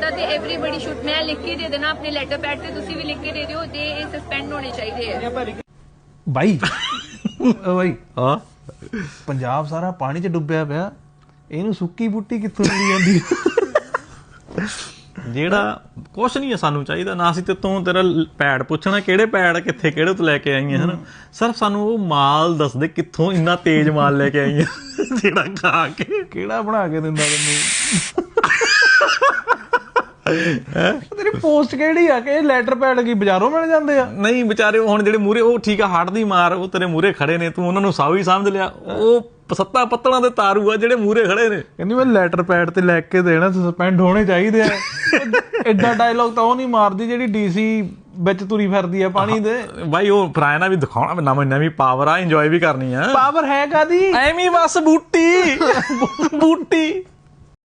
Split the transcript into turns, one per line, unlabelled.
ਕੀਤਾ ਤੇ everybody should ਮੈਂ ਲਿਖ ਕੇ ਦੇ ਦੇਣਾ ਆਪਣੇ ਲੈਟਰ ਪੈਡ ਤੇ, ਤੁਸੀਂ ਵੀ ਲਿਖ ਕੇ ਦੇ ਦਿਓ ਤੇ ਇਹ ਸਸਪੈਂਡ ਹੋਣੇ ਚਾਹੀਦੇ ਆ
ਬਾਈ। ਬਾਈ
ਹਾਂ
ਪੰਜਾਬ ਸਾਰਾ ਪਾਣੀ 'ਚ ਡੁੱਬਿਆ ਪਿਆ, ਇਹਨੂੰ ਸੁੱਕੀ ਬੂਟੀ ਕਿੱਥੋਂ ਮਿਲੀ ਜਾਂਦੀ?
ਜਿਹੜਾ ਕੁਛ ਨਹੀਂ ਹੈ ਸਾਨੂੰ ਚਾਹੀਦਾ ਨਾ, ਅਸੀਂ ਤੇ ਤੋਂ ਤੇਰਾ ਪੈੜ ਪੁੱਛਣਾ ਕਿਹੜੇ ਪੈੜ ਕਿੱਥੇ ਕਿਹੜੇ ਤੋਂ ਲੈ ਕੇ ਆਈਆਂ ਹਨ, ਸਿਰਫ ਸਾਨੂੰ ਉਹ ਮਾਲ ਦੱਸ ਦੇ ਕਿੱਥੋਂ ਇੰਨਾ ਤੇਜ਼ ਮਾਲ ਲੈ ਕੇ ਆਈਆਂ ਜਿਹੜਾ ਖਾ ਕੇ
ਕਿਹੜਾ ਬਣਾ ਕੇ ਦਿੰਦਾ ਤੈਨੂੰ? ਤੇਰੀ ਪੋਸਟ ਕਿਹੜੀ ਆ ਕਿ ਲੈਟਰ ਪੈਡ ਕੀ ਬਾਜ਼ਾਰੋਂ ਮਿਲ ਜਾਂਦੇ ਆ?
ਨਹੀਂ ਵਿਚਾਰੇ ਹੁਣ ਜਿਹੜੇ ਮੂਹਰੇ ਉਹ ਠੀਕ ਆ ਹੱਟ ਦੀ ਮਾਰ, ਉਹ ਤੇਰੇ ਮੂਹਰੇ ਖੜੇ ਨੇ, ਤੂੰ ਉਹਨਾਂ ਨੂੰ ਸਾਊ ਹੀ ਸਮਝ ਲਿਆ, ਉਹ ਸੱਤਾ ਪੱਤਲਾਂ ਦੇ ਤਾਰੂ ਆ ਜਿਹੜੇ ਮੂਹਰੇ ਖੜੇ ਨੇ।
ਕਹਿੰਦੀ ਮੈਂ ਲੈਟਰ ਪੈਡ ਤੇ ਲੈ ਕੇ ਦੇਣਾ, ਸਸਪੈਂਡ ਹੋਣੇ ਚਾਹੀਦੇ ਆ। ਏਡਾ ਡਾਇਲੋਗ ਤਾਂ ਉਹ ਨਹੀਂ ਮਾਰਦੀ ਜਿਹੜੀ DC ਵਿੱਚ ਤੁਰੀ ਫਿਰਦੀ ਆ ਪਾਣੀ ਦੇ।
ਬਾਈ ਉਹ ਫਰਾਇਆ ਨਾ ਵੀ ਦਿਖਾਉਣਾ ਨਵੀਂ ਨਵੀਂ ਪਾਵਰ ਆ, ਇੰਜੋਏ ਵੀ ਕਰਨੀ ਆ।
ਪਾਵਰ ਹੈ ਕਾਦੀ?
ਐਵੇਂ ਬਸ ਬੂਟੀ ਬੂਟੀ